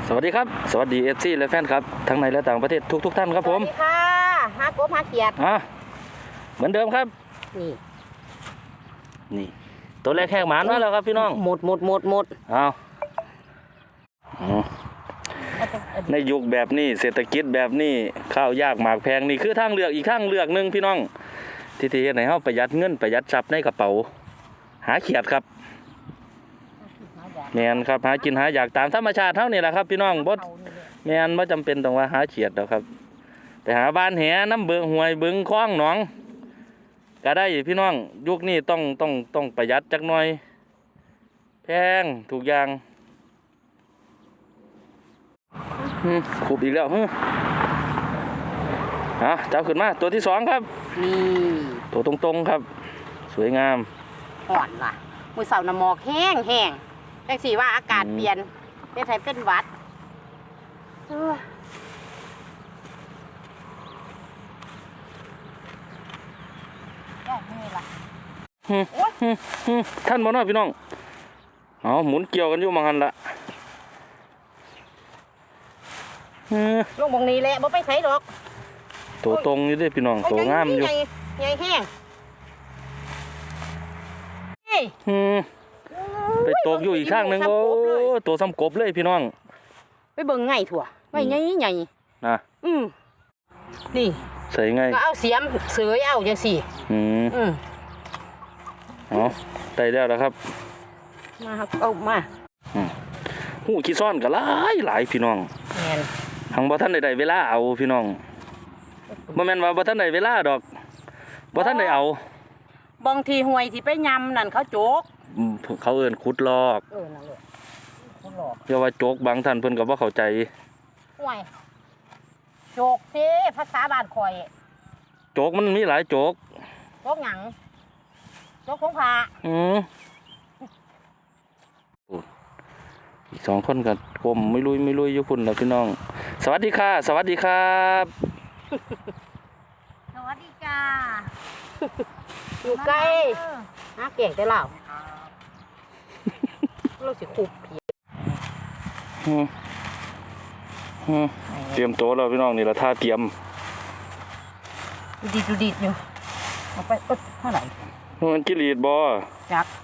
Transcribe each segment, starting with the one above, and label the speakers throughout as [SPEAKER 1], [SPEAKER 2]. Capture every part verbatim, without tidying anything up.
[SPEAKER 1] สวัสดีครับสวัสดีเอฟซีและแฟนครับทั้งในและต่างประเทศทุกทุกท่านครับผม
[SPEAKER 2] สวัสดีค่ะฮากบฮาเกียรติ
[SPEAKER 1] อ่ะเหมือนเดิมครับ
[SPEAKER 2] นี่
[SPEAKER 1] นี่ตัวแรกแหกหมานมาแล้วครับพี่น้อง
[SPEAKER 2] หมดหมดหมดหมด
[SPEAKER 1] เอาในยุคแบบนี้เศรษฐกิจแบบนี้ข้าวยากหมากแพงนี่คือทางเลือกอีกทางเลือกหนึ่งพี่น้องที่ที่ไหนเฮาประหยัดเงินประหยัดทรัพย์ในกระเป๋าหาเขียดครับแมนครับหากินหาอยากตามธรรมชาติเท่านี้แหละครับพี่น้องบ่แมนบ่จำเป็นต้องว่าหาเขียดหรอกครับไปหาบ้านแหน้ำเบืองห้วยบึงคลองหนองก็ได้พี่น้องยุคนี้ต้องต้องต้องประหยัดจักหน่อยแพงถูกอย่างขุบอีกแล้วฮึอ่ะจับขึ้นมาตัวที่สองครับ
[SPEAKER 2] นี่
[SPEAKER 1] ตัวตรงๆครับสวยงาม
[SPEAKER 2] ห่อนว่ะมือเสาร์น้ำหมอกแห้งแห้งจังสีว่าอากาศเปลี่ยนเป็นไทยเป็นหวัด
[SPEAKER 1] ท่านบ่น้อยพี่น้องเอาหมุนเกี่ยวกันอยู่มังหันละ
[SPEAKER 2] ลงบงนี้แหละบ่ไปใส่ดอก
[SPEAKER 1] ตัวตรงอยู่ด้วยพี่น้องตัวงามอยู่
[SPEAKER 2] ใหญ่ใหญ่แห้ง
[SPEAKER 1] ไปตกอยู่อีกข้างหนึ่งโอ้ตัวซ้ำกบเลยพี่น้อง
[SPEAKER 2] ไปเบิ่งไงถั่วไม่ไงใหญ่
[SPEAKER 1] นะ
[SPEAKER 2] อืมนี่
[SPEAKER 1] ใส่ไง
[SPEAKER 2] ก็เอาเสียมเสยเอาจังสิ
[SPEAKER 1] อืมอืมอ๋อได้แล้วนะครับ
[SPEAKER 2] มาครับเอามา
[SPEAKER 1] หูขี้ซ่อนก็หลายหลายพี่น้อง
[SPEAKER 2] แม่น
[SPEAKER 1] ทางบ่ทันได้เวลาเอาพี่น้องบ่แม่นว่าบ่ทันได้เวลาดอกบ่ทันได้เอา
[SPEAKER 2] บางทีห่วยที่ไปยำนั่นเขาโจก
[SPEAKER 1] เขาเอิ้นขุดลอก
[SPEAKER 2] เออนั่นแหละขุดลอก
[SPEAKER 1] อย่าว่าโจกบางท่านเพิ่นก็บ่เข้าใจ
[SPEAKER 2] ห่วยโจกสิภาษาบ้านข่อย
[SPEAKER 1] โจกมันมีหลายโจก
[SPEAKER 2] โจกหยังโจกของพา
[SPEAKER 1] อืออีกสองคนก็กลมไม่ลุยไม่ลุยอยู่พุ่นแล้วพี่น้องสวัสดีค่ะสวัสดีครับ
[SPEAKER 2] สวัสดีจ้าอยู่ใกล้หาเก่งแต่เราเราสิคุบเพีย
[SPEAKER 1] เตรียมโต๊ะแล้วพี่น้องนี่ละท่าเตรียม
[SPEAKER 2] ดูดีดูดีอยู่เอาไปเอ๊ะเท่าไหร่
[SPEAKER 1] มันกิริดบอ
[SPEAKER 2] จัก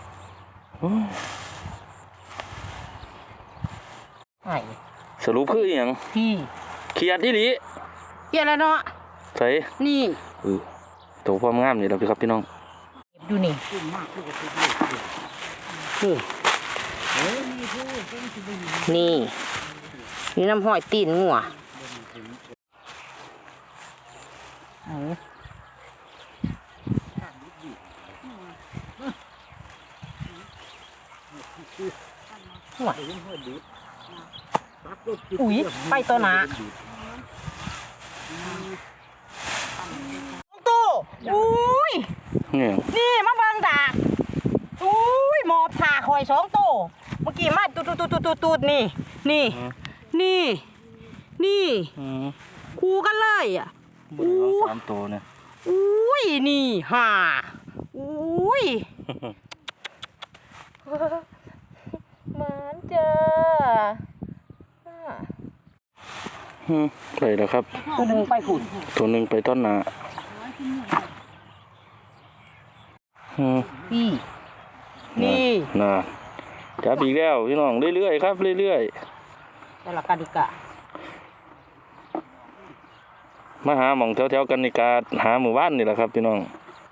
[SPEAKER 2] ไอ้
[SPEAKER 1] สรุปคืออย่าง
[SPEAKER 2] พี่
[SPEAKER 1] เขียดที่นี้
[SPEAKER 2] เขียดแล้วเนาะ
[SPEAKER 1] ใส่
[SPEAKER 2] นี่
[SPEAKER 1] เออโตความงามนี่เราพี่ครับพี่น้อง
[SPEAKER 2] ดูนี่นี่นี่น้ำห้อยตีนงัวอุ้ยไปตัวหนาตู้อุ้ยนี่มาบังดาอุ้ยหมอบถาคอยสองตู้เมื่อกี้มาตูดตูดตูดตูดตูดนี่นี่นี่นี่คู่กันเลยอ่ะ
[SPEAKER 1] อู้สามตัวเนี่ย
[SPEAKER 2] อุ้ยนี่ห่าอุ้ยมันเจอ
[SPEAKER 1] ไปแล้วครับ
[SPEAKER 2] ตัวหนึ่งไปขุด
[SPEAKER 1] ตัวหนึ่งไปต้นนา
[SPEAKER 2] พี่นี่
[SPEAKER 1] น่ะจับอีกแล้วพี่น้องเรื่อยๆครับเรื่อย
[SPEAKER 2] ๆแต่ละกันดิกะ
[SPEAKER 1] มาหาหม่องแถวๆกันนิกาหาหมู่บ้านนี่แหละครับพี่น้อง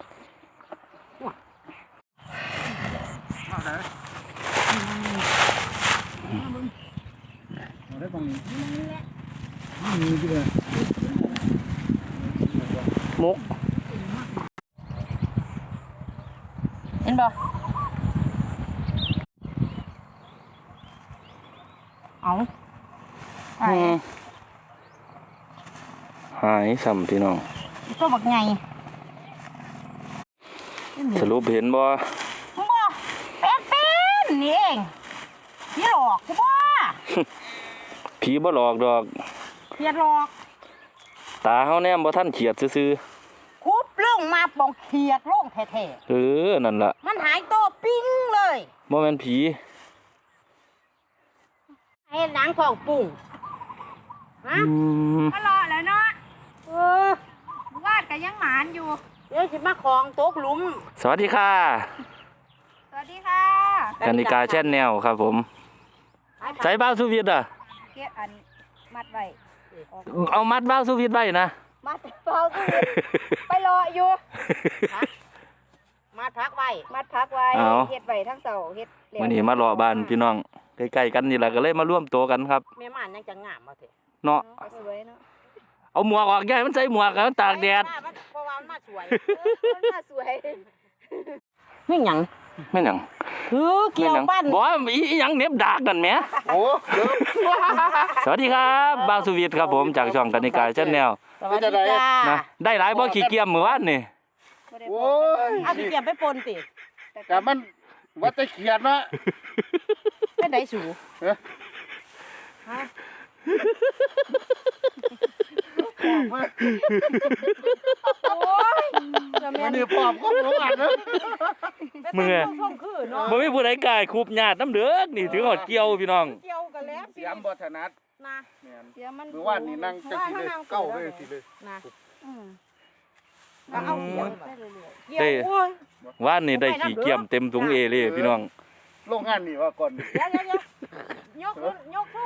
[SPEAKER 2] มุกเห็นบ่เอา
[SPEAKER 1] หายซ้ำพี่น้อง
[SPEAKER 2] ตัวบักไง
[SPEAKER 1] สรุปเห็นบ่
[SPEAKER 2] บ่เป็นเป็นนี่เองพี่หลอกกูบ่
[SPEAKER 1] ผีบ่หลอกดอก
[SPEAKER 2] เขียดหลอก
[SPEAKER 1] ตาเฮาแนมบ่ทันเขียดซื่อ
[SPEAKER 2] ๆคุบลงมาปองเขียดลงแท้
[SPEAKER 1] ๆเออนั่นล่ะ
[SPEAKER 2] มันหายตัวปิ้งเลย
[SPEAKER 1] บ่แม่นผี
[SPEAKER 2] ให้หนังของปุ่งฮะ
[SPEAKER 1] อืม
[SPEAKER 3] ก็รอแล้วเนาะ
[SPEAKER 2] เออ
[SPEAKER 3] วาดก็ยังหมานอยู่
[SPEAKER 2] เดี๋ยวสิมาของตกหลุม
[SPEAKER 1] สวัสดีค่ะ
[SPEAKER 3] สวัสดีค่ะ
[SPEAKER 1] กนิกาแช่นแนวครับผมใส่บ้าวสุวิทย์อ่ะ
[SPEAKER 3] เก็บอันมัดไว้ออก
[SPEAKER 1] เอามัดบ้าวสุวิทย์ไว้นะ
[SPEAKER 3] มัดเปล่าสิไปรออยู่
[SPEAKER 2] มาพักไว้
[SPEAKER 3] มัดพักไว้
[SPEAKER 1] เอา
[SPEAKER 3] เฮ็ดไว้ทั้งเสาเฮ็ดแล้ว
[SPEAKER 1] มื้อนี้มารอบ้านพี่น้องใกล้ๆกันนี่แหละก็เลยมาร่วมตัวกันครับ
[SPEAKER 2] แม่ม่านยังจะงามมาเถอะ
[SPEAKER 1] เนาะ
[SPEAKER 3] ก็สวยเนาะ
[SPEAKER 1] เอาหมวกออกยายมันใส่หมวกแล้วมันตากแดด
[SPEAKER 2] เพราะว่ามันมาสวย
[SPEAKER 3] เออมันน่าสวย
[SPEAKER 2] ไม่หยัง
[SPEAKER 1] แม่นหยัง
[SPEAKER 2] คือเกี่ยวปั้น
[SPEAKER 1] บ่อีอีหยังเหน็บดากนั่นแหม
[SPEAKER 4] โอ้เดี๋ยว
[SPEAKER 1] สวัสดีครับบ้าวสุวิทย์ครับผมจากช่องกนิกาแช่นแนว
[SPEAKER 2] สวัสดีจ้า
[SPEAKER 1] นะได้หลายบ่ขี้เกียจมื้อวานนี่
[SPEAKER 3] บ่ได้
[SPEAKER 4] โอ้
[SPEAKER 3] บอก
[SPEAKER 4] ย
[SPEAKER 2] เอาพี่เกียบไปปนติ
[SPEAKER 4] แต่มันว่าจะเขียนเนาะ
[SPEAKER 2] ไปไหนสู
[SPEAKER 4] เอ้ย
[SPEAKER 3] โอ้ยจะแม่
[SPEAKER 4] มัน
[SPEAKER 3] น
[SPEAKER 4] นี่ปอบก็รู้อ่านเนาะ
[SPEAKER 1] มึงอะ
[SPEAKER 2] ช่องคือเนาะ
[SPEAKER 1] บ่มีผู้ใดกล้าคูบญาติน้ำเด้อนี่ถือหอดเกี่ยวพี่น้อง
[SPEAKER 2] เกี่ยวกันแล้ว
[SPEAKER 4] เสียมบ่ถนัด
[SPEAKER 2] นะ
[SPEAKER 4] แม่น
[SPEAKER 3] เดี๋ยวมัน
[SPEAKER 4] มือว่านนี่นั่งจังสิเลยเก้าเลยสิเลย
[SPEAKER 2] นะ
[SPEAKER 3] อืม
[SPEAKER 2] ก็เอาเกี่ยว
[SPEAKER 3] ได้เรื่อย
[SPEAKER 2] เกี่ยวโอ้ย
[SPEAKER 1] ว่านนี่ได้ขี้เกียมเต็มถุงเอเลยพี่น้อง
[SPEAKER 4] โรงงานนี่ว่าก่อน
[SPEAKER 2] เดี๋ยวเดี๋ยวเดี๋ยวยกขึ้นยกสู้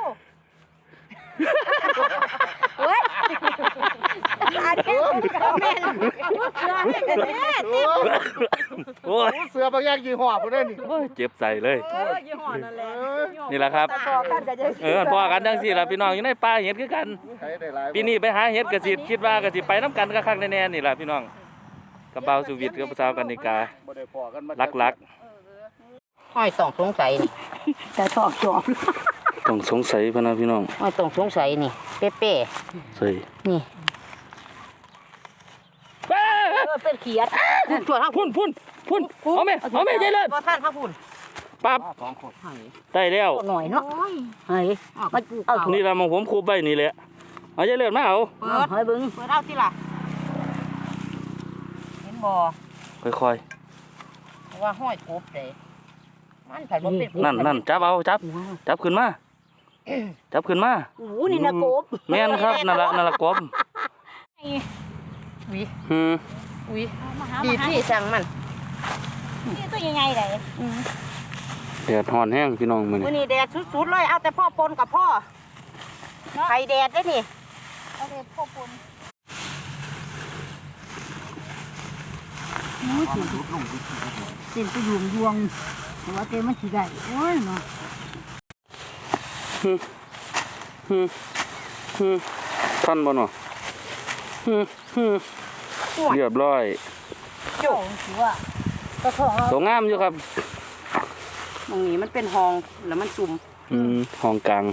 [SPEAKER 3] ๆโอ้ยอาเก็บกับแม่น
[SPEAKER 2] เสือให้กันแน่
[SPEAKER 4] โอ้
[SPEAKER 1] โอ้ย
[SPEAKER 4] เสือบางอย่างยี่ห้อพุ่นเด้อนี่
[SPEAKER 1] โอ้ยเจ็บใจเลย
[SPEAKER 2] เออยี่ห้อนั่นแหละ
[SPEAKER 1] นี่แหละครับ
[SPEAKER 3] แต่พอกันก็จะ
[SPEAKER 1] เออพอกันจังซี่ล่ะพี่น้องอยู่ในป่าเห็ดคือกัน
[SPEAKER 4] ใช้ได้หลาย
[SPEAKER 1] ปีนี้ไปหาเห็ดก็สิคิดว่าก็สิไปน้ำกันคักๆแน่ๆนี่ล่ะพี่น้องกับเบาสุวิทย์กับสาวกนิกา
[SPEAKER 4] บ่ได้พอกันมา
[SPEAKER 1] ลัก
[SPEAKER 2] ห้อยต้องสงสัยนี่
[SPEAKER 3] แต่ตอกจอบ
[SPEAKER 1] ๆต้องสงสัยพะนะพี่น้อง
[SPEAKER 2] ห้อยต้องสงสัยนี่เป๊ะ
[SPEAKER 1] ใส่
[SPEAKER 2] ๆนี่เออเป็นเขียดพุ่นตัวทั้ง
[SPEAKER 1] พุ่นพุ่นพุ่นเอาแม่เอาแม่ใจเลิศ
[SPEAKER 2] บ่ท่านพระพุ่น
[SPEAKER 1] ปั๊บ
[SPEAKER 4] สองคน
[SPEAKER 1] ได้แล้ว
[SPEAKER 2] หน่อยเนาะเฮ้ยมันเอา
[SPEAKER 1] นี่ล่ะมองผมคูบไว้นี่แหละเอาใจเลิศมาเอา
[SPEAKER 2] เปิดเฮ้ยบึงเปิดเอาสิล่ะเห็นบ่
[SPEAKER 1] ค่อย
[SPEAKER 2] ว่าห้อยกบเลยมันไผ่บ่เป็น
[SPEAKER 1] ๆนั่นนั่นจับเอาจับจับขึ้นมาจับขึ้นมา
[SPEAKER 2] โอ้นี่นะกบ
[SPEAKER 1] แม่นครับนั่นละนั่นละกบ
[SPEAKER 2] วิ
[SPEAKER 1] หืม
[SPEAKER 2] วิดีที่สั่งมัน
[SPEAKER 3] นี่ตัวใหญ่ๆเลย
[SPEAKER 1] แดดฮ้อนแห้งพี่น้องมื้อ
[SPEAKER 2] มื้อ
[SPEAKER 1] นี้
[SPEAKER 2] นี้แดดสุดๆเลยเอาแต่พ่อปนกับพ่อไข่แดดได้นี่
[SPEAKER 3] เอาเลยพวกคน
[SPEAKER 5] เต็มไปยวงยวงแต่ว่าเต็มมันสิได้โอ้ยเนาะ
[SPEAKER 1] หืมหืมท่านบ่เนาะหืมหืมเรียบร้อย
[SPEAKER 2] จุก
[SPEAKER 5] ถือว่าก็ท้องเรา
[SPEAKER 1] สวยงามอยู่ครับ
[SPEAKER 2] ตรงนี้มันเป็นห้องแล้วมันซุ่ม
[SPEAKER 1] อืมห้องกลาง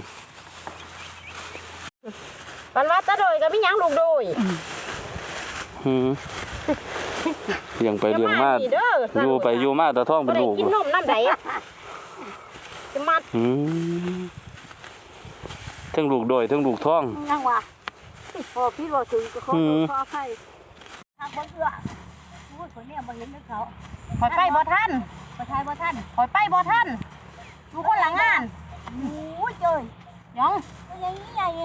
[SPEAKER 2] ปันว่าตะโดยก็มีหยังลูกโดย
[SPEAKER 1] หืมเลี้ยงไปเลี้ยงมา
[SPEAKER 2] นี่เด้อ
[SPEAKER 1] อยู่ไปอยู่มาแต่ท้อง
[SPEAKER 2] บ่
[SPEAKER 1] เป็น
[SPEAKER 2] ได้
[SPEAKER 1] ลูก
[SPEAKER 2] กินนมน้ำใดจะมา
[SPEAKER 1] หืมทั้งลูกโดยทั้งลูกท้อง
[SPEAKER 5] ยังว่าพอพี่ว่าถึงก็ขอ
[SPEAKER 1] อืม
[SPEAKER 5] ขอใครทางบนเอื้อโอ้ยคนเนี้ยบ่เห็นนึกเขา
[SPEAKER 2] คอยไปบ่ทัน
[SPEAKER 5] ประทายบ่ท่าน
[SPEAKER 2] คอยไปบ่ทันอยู่คนหลังงาน
[SPEAKER 5] โอ้ยเจ้ย
[SPEAKER 2] หยัง
[SPEAKER 5] ตัวใหญ่ใหญ่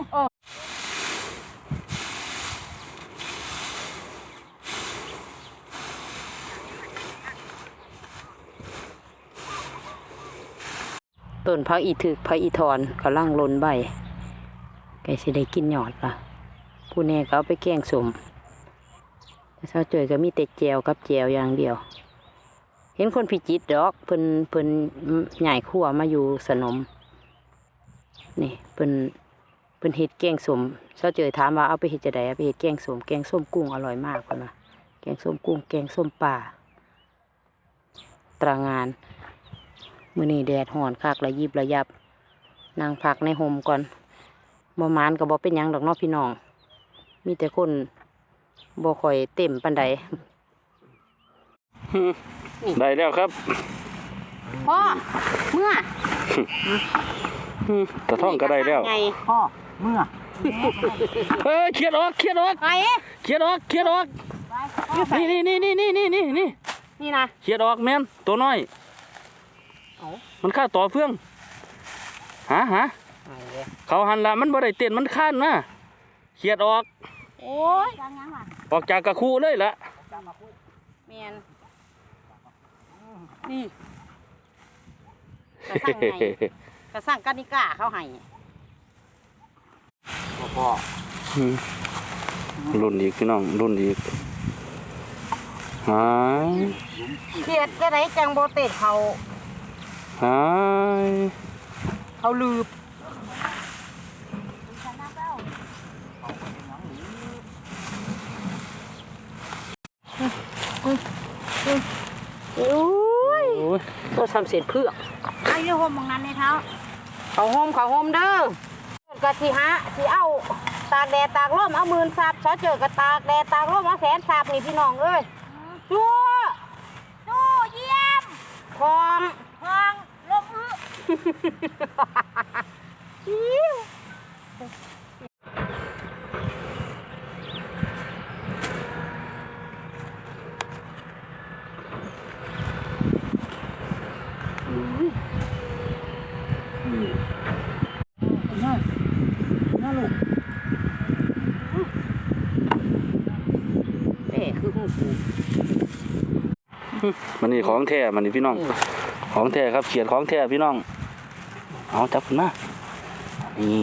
[SPEAKER 2] ต้นพักอีถึกพักอีทอนกำลังลนใบแกสิได้กินหยอดล่ะผู้แน่ก็เอาไปแกงสมแต่เช้าเจอก็มีแต่แจวกับแจวอย่างเดียว เห็นคนพิจิตรดอกเพิ่นเพิ่นใหญ่ขั่วมาอยู่สนมนี่เพิ่นเพิ่นเฮ็ดแกงสมเช้าเจอถามว่าเอาไปเฮ็ดจะไดเอาไปเฮ็ดแกงสมแกงส้มกุ้งอร่อยมากพุ่นน่ะแกงส้มกุ้งแกงส้มปลาตรางานมื้อนี้แดดร้อนคักระยิบระยับนั่งพักในห่มก่อนบ่มานก็บ่เป็นหยังดอกเนาะพี่น้อง มีแต่คนบ่ค่อยเต็มปานใด
[SPEAKER 1] ได้แล้วครับ
[SPEAKER 2] พ่อเมื่อ
[SPEAKER 1] หืมแต่ท้องก็ได้แล้ว
[SPEAKER 2] ไง
[SPEAKER 5] พ่อเมื่อ
[SPEAKER 1] เฮ้ยเครียดออกเครียดออก
[SPEAKER 2] ไง
[SPEAKER 1] เครียดออกเครียดออกนี่นี่นี่นี่นี่นี่นี่นี่
[SPEAKER 2] นี่นะ
[SPEAKER 1] เครียดออกแม่นตัวน้อย
[SPEAKER 2] เอ้า
[SPEAKER 1] มันฆ่าต่อเฟืองหาหา
[SPEAKER 2] ไง
[SPEAKER 1] เขาหันละมันบ่ได้เต้นมันข้านนะเขียดออก
[SPEAKER 2] โอ้ย
[SPEAKER 5] จังยังล่ะ
[SPEAKER 1] ออกจากกระคูเลยละ
[SPEAKER 2] แมนนี่กระสั่งไงกระสั่งกานิก้าเขาให้
[SPEAKER 4] พ่อ
[SPEAKER 1] อืมรุ่นอีกพี่น้องรุ่นอีกหาย
[SPEAKER 2] เขียดจะไหนจังโบเตดเขา
[SPEAKER 1] หาย
[SPEAKER 2] เขาลืบโอ้ย
[SPEAKER 1] โอ้ย
[SPEAKER 2] ตัวทำเสร็จเพื่อ
[SPEAKER 5] ไอ้เรื่องมองนั้นในเท้า
[SPEAKER 2] เขาโฮมเขาโฮมเด้อกะสิฮะสิเอาตากแดดตากลมเอาหมื่นสับซอเจอกะตากแดดตากลมเอาแสนสับนี่พี่น้องเอ้ยชัว
[SPEAKER 5] สู้เยี่ยม
[SPEAKER 2] คอง
[SPEAKER 5] พองลงอื้อ
[SPEAKER 2] อิ๊วเอ้คือหูปู
[SPEAKER 1] มันนี่ของแท้มันนี่พี่น้องของแท้ครับเขียดของแท้พี่น้องเอาจับขึ้นมานี่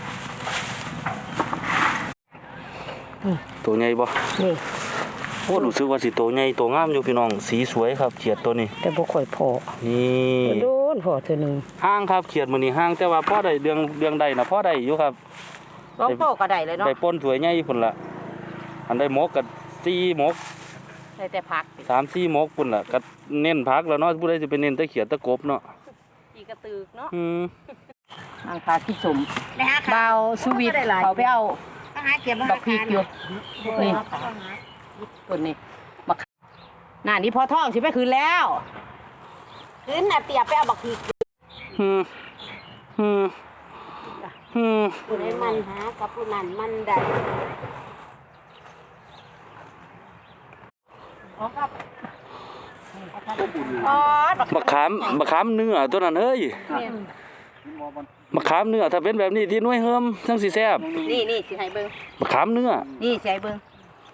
[SPEAKER 1] ตัวใหญ่บ่
[SPEAKER 2] นี่
[SPEAKER 1] โอ้รู้สึกว่าสิตัวใหญ่ตัวงามอยู่พี่น้องสีสวยครับเขียดตัวนี้
[SPEAKER 2] แต่บ่ค่อยพอ
[SPEAKER 1] นี่
[SPEAKER 2] โดนพอเธอหนึ่ง
[SPEAKER 1] ห้างครับเขียดมื้อนี้ห้างแต่ว่าพ่อได้เดืองเดืองใดนะพ่อได้อยู่ครับ
[SPEAKER 2] ลองโตก็ได้เลยเนาะ
[SPEAKER 1] ได้ป่นสวยใหญ่พุ่นละอันได้หมกกับสี่หมก
[SPEAKER 2] ได้แต่พัก
[SPEAKER 1] สามสี่หมกพุ่นละก็เน้นพักแล้วเนาะผู้ใดจะไปเน้นแตะเขียดตะกบเนาะ
[SPEAKER 2] อีกระตึกเนาะ
[SPEAKER 1] อืม
[SPEAKER 2] อังคาที่สม
[SPEAKER 5] นะฮะ
[SPEAKER 2] เบาสวิตเขาไปเอา
[SPEAKER 5] ต้องหาเก็บ
[SPEAKER 2] ดอกพริกอยู่นี่ต้นนี้บักน่านี่พอท่องสิไปคืนแล้วคืนน่ะเตียไปเอาบักพริก
[SPEAKER 1] อืมอืมอืม
[SPEAKER 5] ผู้ใดมันหากับผู้นั้นมันได้
[SPEAKER 2] อ๋อบัก
[SPEAKER 1] มะขามมะขามเนื้อตัวนั้นเฮ้ยมะขามเนื้อถ้าเป็นแบบนี้ที่หน่วยเฮิมทั้งสีแซ่บ
[SPEAKER 2] นี่นี่สิให้เบิ่ง
[SPEAKER 1] มะขามเนื้อ
[SPEAKER 2] นี่สิให้เบิ่ง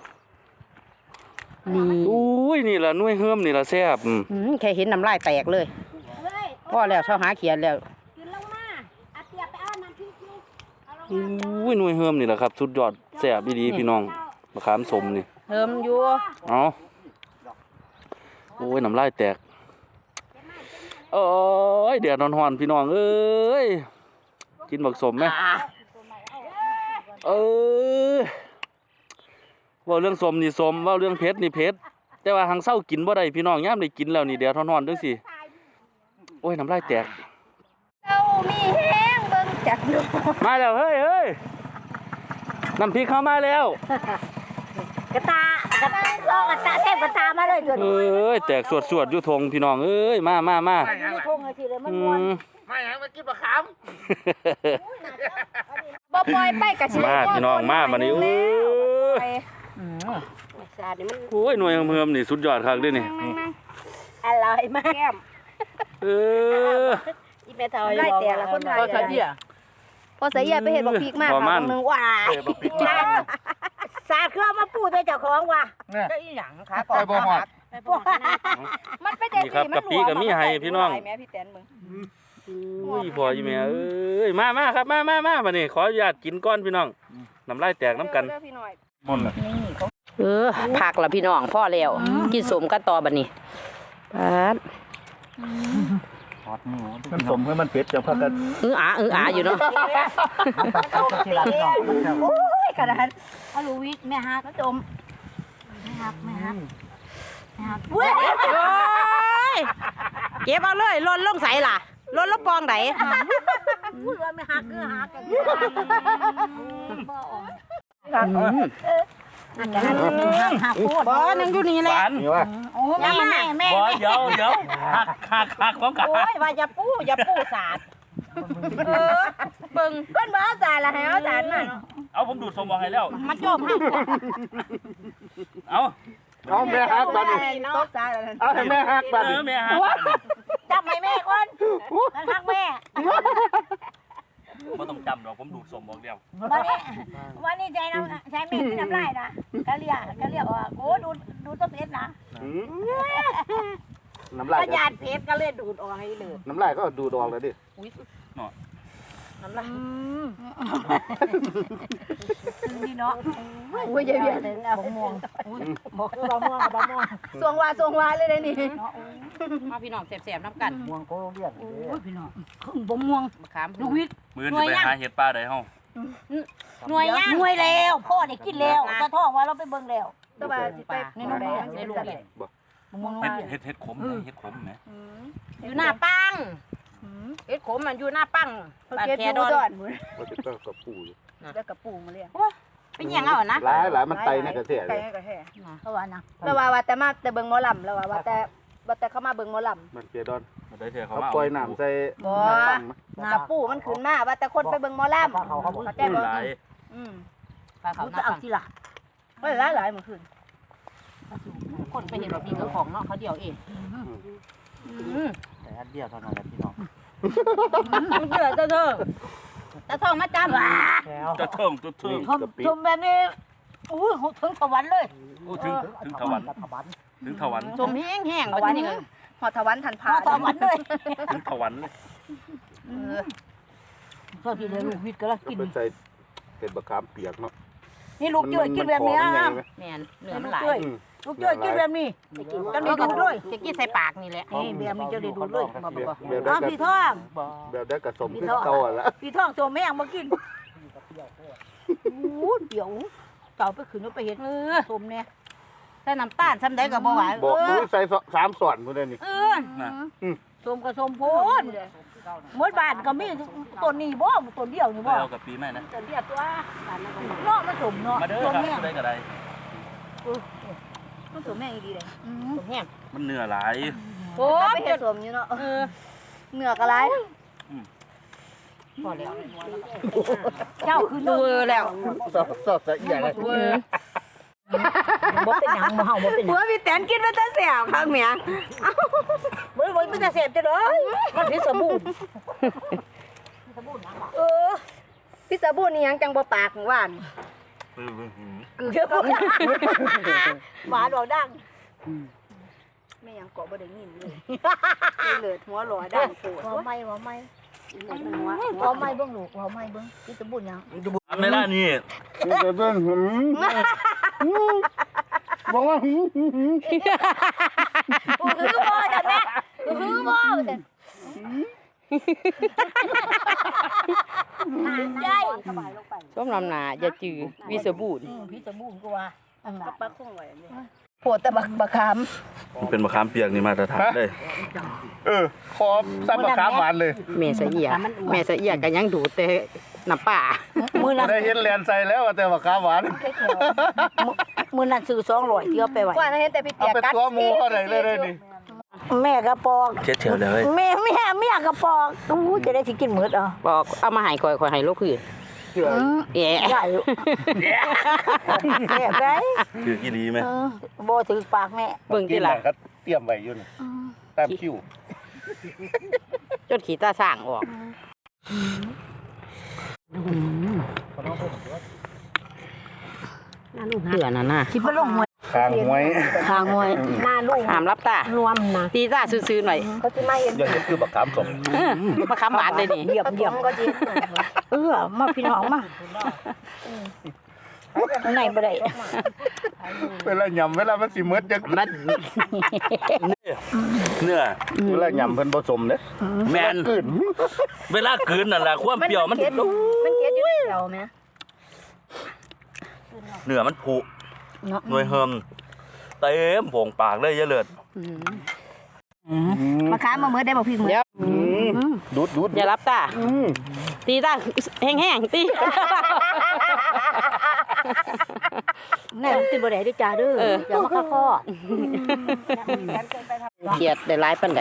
[SPEAKER 2] นี่
[SPEAKER 1] อุ้ยนี่ล่ะหน่วยเฮิมนี่ล่ะแซ่บอืม
[SPEAKER 2] อืมแค่เห็นน้ำลายแตกเลยพ่อแล้วเช้าหาเขียนแล้ว
[SPEAKER 5] ขึ้นลงมาอาเตียไปเอาน้ำพริกอยู่เอาลง
[SPEAKER 1] อุ้ยหน่วยเฮิมนี่ล่ะครับสุดยอดแซ่บดีๆพี่น้องมะขามสมนี่
[SPEAKER 2] เฮิมอยู่
[SPEAKER 1] เอาโอ้ยน้ำลายแตกเอ้ยแดดร้อนๆพี่น้องเอ้ยกินบักสมไหม
[SPEAKER 2] อ่า
[SPEAKER 1] เออเว่าเรื่องสมนี่สมเว่าเรื่องเพชรนี่เพชรแต่ว่าหังเศร้ากินบ่ได้พี่น้องย่ามได้กินแล้วนี่แดดร้อนๆจังสิโอ้ยน้ำลายแตก
[SPEAKER 5] เอามีแห้งเบิ่งจักดู
[SPEAKER 1] มาแล้วเฮ้ยเฮ้ยน้ำพริกเข้ามาแล้ว
[SPEAKER 5] กระตากระตาลอกกระตาเทพกระตามาเลยตัว
[SPEAKER 1] เอ้ยแตกสวดๆอยู่ทงพี่น้องเอ้ยมามามา
[SPEAKER 5] นี้ทงเลยทีเลยมัน
[SPEAKER 1] อื
[SPEAKER 5] ม่วน
[SPEAKER 1] ม
[SPEAKER 4] มาหยังมากินมะขาม
[SPEAKER 5] บ่ปล่อยไปกะสิ
[SPEAKER 1] มาพี่น้องมาบัดนี้โอ้ย
[SPEAKER 2] อืมสาดนี่มัน
[SPEAKER 1] โอ้ยหน่วยเมือมนี่สุดยอดคักเด้นี่
[SPEAKER 5] อร่อยมากแก้ม
[SPEAKER 1] เออ
[SPEAKER 2] อีแม่เฒ่า
[SPEAKER 5] ไล่แต่ละคนไทย
[SPEAKER 2] ก็เสีย
[SPEAKER 5] พอเสียไปเห็นบอกพีกมาก
[SPEAKER 1] พอมัน
[SPEAKER 5] นึงว่า
[SPEAKER 4] เอ้ยบักพริก
[SPEAKER 5] สาดเครื่องมาปูด้วยเจ้าของว่ะ
[SPEAKER 4] เนี่ย
[SPEAKER 2] ก็อีหยังขา
[SPEAKER 4] ไปบ่ฮอด
[SPEAKER 2] ไปบ่ฮอดนะ
[SPEAKER 5] มันไป
[SPEAKER 1] นี่ครับกะปิก็มีให้พี่น้อง
[SPEAKER 5] แม่พี่แตนมึง
[SPEAKER 1] อุ้ยพออยู่แม่เอ้ยมามาครับมามามาบัดนี้ขออนุญาตกินก้อนพี่น้องน้ำลายแตกน้ำกัน
[SPEAKER 4] มนต์ล่ะ
[SPEAKER 2] เออผักละพี่น้องพ่อแล้วกินสมกันต่อบัดนี้ปาด
[SPEAKER 4] มันสมให้มันเผ็ดจังพักกัน
[SPEAKER 2] เอออาเอออาอยู่เนาะ
[SPEAKER 5] โอ้ยกระดานเอาลูวิทแม่ฮักก็จมแม่ฮักแม่ฮักแม่ฮักเว้ย
[SPEAKER 2] โอ้ยเก็บเอาเลยลนลงใส่ล่ะลนลงปองไหน
[SPEAKER 5] พูดว่าแม่ฮักคือฮักกันบ่ออก
[SPEAKER 2] อืม
[SPEAKER 5] ฮักกันฮักฮักพูด
[SPEAKER 2] บ่นึงอยู่นี่แหละ
[SPEAKER 4] นี่ว่า
[SPEAKER 5] โอ้แม่แม่แม่
[SPEAKER 1] บ่เดี๋ยวเดี๋ยวหักหักหักของกัน
[SPEAKER 2] โอ้ยว่าอย่าปู้อย่าปู้สาดเออเบิ่ง
[SPEAKER 5] เพิ่นบ่เอาจานละให้เอาจานมา
[SPEAKER 1] เอาผมดูดสมบอกให้แล้ว
[SPEAKER 2] มาโจมหัก
[SPEAKER 1] เอา
[SPEAKER 4] เอาแม่ฮักบัดนี้
[SPEAKER 5] ตกจานละ
[SPEAKER 4] เอาให้แม่ฮักบัด
[SPEAKER 1] เอ
[SPEAKER 4] นี้
[SPEAKER 1] อแม่หัก
[SPEAKER 5] จับให้แม่ก่อนฮักแม่
[SPEAKER 2] โ
[SPEAKER 1] บ่ต้องจำดอกผมดูดสมบอกเดียว
[SPEAKER 5] วันนี้วันนี้ใจน้ำใจไม่มีน้ำลายนะกะเลียกะเลียว่าโอ้ดูดูต้นเพชรนะ
[SPEAKER 4] อืมน้ำลาย
[SPEAKER 2] กระยาดเพชรก็เลยดูดออกให้เลย
[SPEAKER 4] น้ำลายก็ดูดออกเลยดิ
[SPEAKER 2] น้ำลาย
[SPEAKER 5] นี่เนาะ
[SPEAKER 3] อุ้ยเยอะ
[SPEAKER 5] เลยนะผมมอง
[SPEAKER 2] บอกคือบะม่วงบะม่วง
[SPEAKER 3] ๆสวงวาสวงวาเลยเลยนี่
[SPEAKER 2] มาพี่น้องแสบๆน้ำกัน
[SPEAKER 4] ม่วงก็เรียก
[SPEAKER 5] โอ้ยพี่น้องผมม่วง
[SPEAKER 2] มะขาม
[SPEAKER 5] ลูกวิทย์
[SPEAKER 1] มื้อนี้ไปหาเห็ดป่าได้เฮา
[SPEAKER 2] หน่วยย่าง
[SPEAKER 5] หน่วยแล้วพ่อได้กินแล้วตาท้องว่าเราไปเบิ่งแล้ว
[SPEAKER 3] ตัวบาสิไป
[SPEAKER 2] ในลูกในลูก
[SPEAKER 5] ม่วง
[SPEAKER 1] เฮ็ดเฮ็ดเฮ็ดขมไหมเฮ็ดขมไหม
[SPEAKER 2] อยู่หน้าปังเอ็ดขมมันอยู่หน้าปัง
[SPEAKER 3] เขา
[SPEAKER 2] บ้าน
[SPEAKER 3] เก็บ
[SPEAKER 2] แค
[SPEAKER 3] ดู
[SPEAKER 2] ดอน
[SPEAKER 3] ดอนหมด
[SPEAKER 4] มันจะต้องกับปูอยู่
[SPEAKER 3] แล้วกับปูมาเลย
[SPEAKER 2] เป็นยังเอานะ
[SPEAKER 4] หลายหลายมันไตในกระเทีย
[SPEAKER 3] ไก่
[SPEAKER 4] เลย
[SPEAKER 3] กระแห่
[SPEAKER 5] เพราะว่านะ
[SPEAKER 3] แล้วว่าว่าแต่มาแต่เบิ่งหมอลำแล้วว่าว่าแต่ว่าแต่เข้ามาเบิ่งหมอล
[SPEAKER 4] มันเปียดอน
[SPEAKER 1] มาได้เถอะเขา
[SPEAKER 4] เขา
[SPEAKER 1] มา
[SPEAKER 4] ปล่อยน้ำใส่
[SPEAKER 3] ำบ่
[SPEAKER 4] น้ำปังมั้ย
[SPEAKER 3] กระปูมันขึ้นมาว่าแต่คนไปเบิ่งหมอลำเข้าใจบ่
[SPEAKER 1] หลาย
[SPEAKER 3] อืม
[SPEAKER 2] ปลาเขา
[SPEAKER 5] รู้
[SPEAKER 2] ห
[SPEAKER 5] จะ
[SPEAKER 2] น้า
[SPEAKER 5] เอา
[SPEAKER 2] ปัง
[SPEAKER 5] ทีหลัง
[SPEAKER 3] เฮ้ยหลายหลายเมื่อคืน
[SPEAKER 2] คนไปเห็นแบบนี้ก็ของเนาะเขาเดียวเองอืม
[SPEAKER 4] แต่อันเดียวเท่านั้นแหละพี่น้อง
[SPEAKER 2] มันเดือดเจ้าเธอตาทองมาจำ
[SPEAKER 1] จะเทิงจะเทิง
[SPEAKER 5] ชมชมแบบนี้อุ้ยถึงสวรรค์เลย
[SPEAKER 1] โอ้ถึงถึงถวันถึงถวัน
[SPEAKER 2] ชมแห้งแห้งๆวันนี้
[SPEAKER 3] หอดทวันทันพา
[SPEAKER 5] พ่อสวรรค์เลย
[SPEAKER 1] ถึงถวันเลย
[SPEAKER 5] ชอบกินเลยลูกวิทย์ก็แล้วกิน
[SPEAKER 4] เป็นใส่เป็นบะขามเปียกเนาะ
[SPEAKER 5] นี่ลูกเจ้ยกินแบบนี้
[SPEAKER 4] มั
[SPEAKER 5] นะ
[SPEAKER 4] ขอมัใหญ่ไหม
[SPEAKER 2] แม่นเนื้อมันหลาย
[SPEAKER 4] อืม
[SPEAKER 5] ลูกเจ้ยกินแบบนี้
[SPEAKER 2] ก็มีดูดด้วยจะกินใส่ปากนี่แหละ
[SPEAKER 5] นี่แบบนี้เจ้าได้ดูเลย
[SPEAKER 2] มาบอก
[SPEAKER 4] แบบ
[SPEAKER 5] อ้าว
[SPEAKER 4] ได้
[SPEAKER 5] พี่
[SPEAKER 4] ก
[SPEAKER 5] ท่อง
[SPEAKER 4] แบบได้กระสมขึ้นเก่าอ่ะละ
[SPEAKER 5] พี่ท่องตัวแม่งมากินอู้เดี๋ยวเจ้าไปขืนเอาไปเห็น
[SPEAKER 2] เออ
[SPEAKER 5] ชมเนี่ย
[SPEAKER 2] ถ้าน้ำตาลซ้ำได้ก็บ่หวาน
[SPEAKER 4] บอก
[SPEAKER 2] เอ
[SPEAKER 4] ดู
[SPEAKER 2] อ
[SPEAKER 4] ใส่สามส่วนพุ่นเลยนี่
[SPEAKER 2] เออ
[SPEAKER 1] นะ
[SPEAKER 5] ชมกับชมโพนหมดบ้านก็มีต้นนี้บ่ต้นเดียวนี่
[SPEAKER 1] ไป
[SPEAKER 5] บ่
[SPEAKER 1] เอากับปีใหม่นะ
[SPEAKER 5] ต้นเดียวตัวเนาะมันสมเนาะ
[SPEAKER 1] มาเด้อ
[SPEAKER 5] ชม
[SPEAKER 1] ครับ
[SPEAKER 5] แม่ง
[SPEAKER 1] ได้ก็ได้
[SPEAKER 3] มันสวมแม่งอีดีเลย
[SPEAKER 2] ชมแห้ง
[SPEAKER 1] มันเนื้อหลาย
[SPEAKER 2] โอ้
[SPEAKER 3] ไปเฮ็ดสวมอยู่เนาะ
[SPEAKER 2] เออ
[SPEAKER 3] เหนือกอะไร
[SPEAKER 2] พอแล้ว
[SPEAKER 5] เจ้าคือ
[SPEAKER 2] ดูแล้ว
[SPEAKER 4] สอบสอบใส่ใหญ่เลย
[SPEAKER 2] เออ
[SPEAKER 5] บ่เป็นหยังบ่เฮาบ่เป็นห
[SPEAKER 3] หั
[SPEAKER 5] ยัง
[SPEAKER 3] วพี่แตนกินมาแต่แสบข้างเมีย
[SPEAKER 5] บ่บ่มันจะเสพจะเลยมันพิษสบู่
[SPEAKER 3] เออพี่สาบูนี่ยังจังบ่ปากหวาน
[SPEAKER 5] คือเชื่อบ่หวานดอกดัง
[SPEAKER 3] แม่ยังเกาะบ่ได้ยินเลยเลิศหัวหล่อดังโผล่
[SPEAKER 5] บ่ไม่บ่ไม่บ่ไม่เบิ่งลูกบ่ไม่เบิ่งพิษสบู่หยัง
[SPEAKER 1] ในร้านนี้
[SPEAKER 4] เดี๋ยวเดินหืมบอกว่าหืมหืมหืม
[SPEAKER 5] คือบ่จ้ะแม่คือบ่จ้ะใจสบายลงไป
[SPEAKER 2] ส้มลำหนาอย่าจืดวิสบูรณ์
[SPEAKER 5] อืมพิษสบู่ก็ว่าอันน่ะ
[SPEAKER 3] ปลาคงไว้เลยโผล่แต่บักบักขาม
[SPEAKER 1] เป็นมะขามเปียกนี่มาตรฐานเลย
[SPEAKER 4] เออขอซ้ำบะขามหวานเลย
[SPEAKER 2] แม่สะเอียแม่สะเอียก็ยังดูดแต่น้ำป่า
[SPEAKER 5] มื้อนั้น
[SPEAKER 4] ได้เห็นแลนใส่แล้วแต่บะขามหวาน
[SPEAKER 5] มื้อนั้นซื้อสองร้อยที่เอาไปไว้
[SPEAKER 3] กว่านั้นเห็นแต่พี่
[SPEAKER 4] เอา
[SPEAKER 3] เปียก
[SPEAKER 4] ไป
[SPEAKER 3] กัด
[SPEAKER 4] ตัวหมูเขาไหนเลยเลยนี่
[SPEAKER 5] แม่กระปอก
[SPEAKER 1] เช็ดเถียวเลย
[SPEAKER 5] แม่แม่แม่กระปอกอู้จะได้สิกินหมดอ่ะ
[SPEAKER 2] บอกเอามาให้ข่อยข่อยให้ลูกคืน
[SPEAKER 4] เชื่อ
[SPEAKER 2] แย่
[SPEAKER 5] ใหญ่แม่ได้
[SPEAKER 1] คือกี่ดีไหม
[SPEAKER 5] เออบ่ถือปากแม่
[SPEAKER 2] เบิ่ง
[SPEAKER 4] กิ
[SPEAKER 2] ที่
[SPEAKER 4] น
[SPEAKER 2] ละ
[SPEAKER 4] น่ะก็เตรียมไว้อยู่นี่ตามคิว
[SPEAKER 2] จนขี้ตาสร้างออกเผื่อน่ะน่ะ
[SPEAKER 5] คิดว่าลงหวย
[SPEAKER 4] คางหวย
[SPEAKER 5] ทางหวยหน้าลูก
[SPEAKER 2] ห้ามรับตาร
[SPEAKER 5] วมนะ
[SPEAKER 2] ตีตาซื่อๆหน่อย
[SPEAKER 5] เขาจะมาเห็น
[SPEAKER 4] อย่างนี้คือบะขามสม
[SPEAKER 2] เออมาคำหวานเลยนี่
[SPEAKER 5] เหยียบเหยียบ
[SPEAKER 3] ก็จี
[SPEAKER 5] เออมาพี่น้องมาไหนบ่ได้
[SPEAKER 4] เวลาหยำเวลามันสิเมิดจัง
[SPEAKER 1] นั่นเนื้อ
[SPEAKER 4] เวลาหยำเพิ่นผสมเด้
[SPEAKER 1] แมน
[SPEAKER 4] กลืน
[SPEAKER 1] เวลากลืนนั่นแหละความเปรี้ยวมัน
[SPEAKER 3] มันเกลียดอยู่ในเราแม่
[SPEAKER 1] เนื้อมันผุ
[SPEAKER 5] เนาะ
[SPEAKER 1] หน่วยเฮิมเต็มโผงปากเลยเยอะเลย
[SPEAKER 3] มาค้ามาเมื่อได้บอกพี่มือ
[SPEAKER 2] เดี๋ยว
[SPEAKER 4] ดูดดูด
[SPEAKER 2] อย่ารับตา
[SPEAKER 4] อืม
[SPEAKER 2] ตีตาแห้งๆตี
[SPEAKER 5] แน่ติบ่ได้ด้วยจ้าเด้ออย่ามาข้าข้อ
[SPEAKER 2] เขียดได้หลายปานใด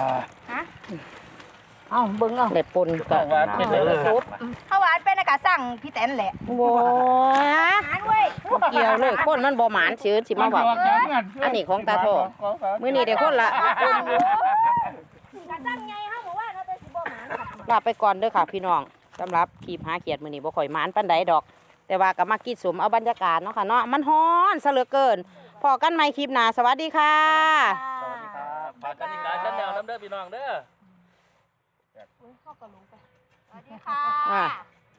[SPEAKER 5] เอ้าเบิ่งเอา
[SPEAKER 2] ได้ปนก็
[SPEAKER 3] ข้าวหวานเป็นอากาศสั่งพี่แตนแหละ
[SPEAKER 2] โว้ย
[SPEAKER 3] หานเว้ย
[SPEAKER 2] บ่เกี่ยวเลยคนมันบ่หมานชื่อสิมาเว้าอันนี้ของตาทองมื้อนี้ได้คนละ
[SPEAKER 3] กาสั่งไงเฮาบอกว่าเราเป็นสิบ่หมาน
[SPEAKER 2] ลาไปก่อนเด้อค่ะพี่น้องสำหรับคลิปหาเขียดมื้อนี้บ่ค่อยหมานปานใดดอก แต่ว่าก็มากินสมเอาบรรยากาศเนาะค่ะเนาะมันฮ้อนซะเหลือเกินพอกันใหม่คลิปหน้าสวัสดีค่ะ
[SPEAKER 1] สวัสดีครับฝากกันอีกหลายชั้นแนวน้ำเด้อพี่น้องเด้อ
[SPEAKER 5] สวัสดีค่ะ
[SPEAKER 2] อ่ะ